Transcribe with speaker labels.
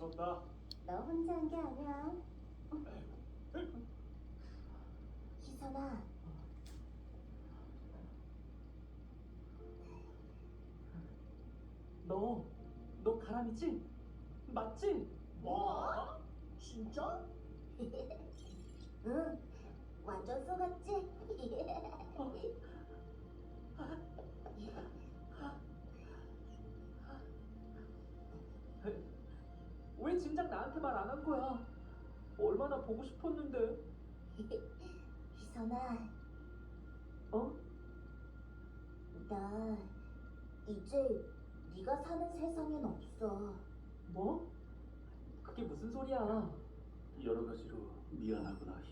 Speaker 1: 수고스럽다.
Speaker 2: 너 혼자 한 게 아니야. 희선아,
Speaker 3: 너 가람이지? 맞지?
Speaker 1: 뭐? 진짜?
Speaker 2: 응, 완전 속았지?
Speaker 3: 왜 진작 나한테 말 안 한 거야? 얼마나 보고 싶었는데.
Speaker 2: 희선아,
Speaker 3: 어?
Speaker 2: 나 이제 네가 사는 세상엔 없어.
Speaker 3: 뭐? 그게 무슨 소리야?
Speaker 1: 여러 가지로 미안하구나.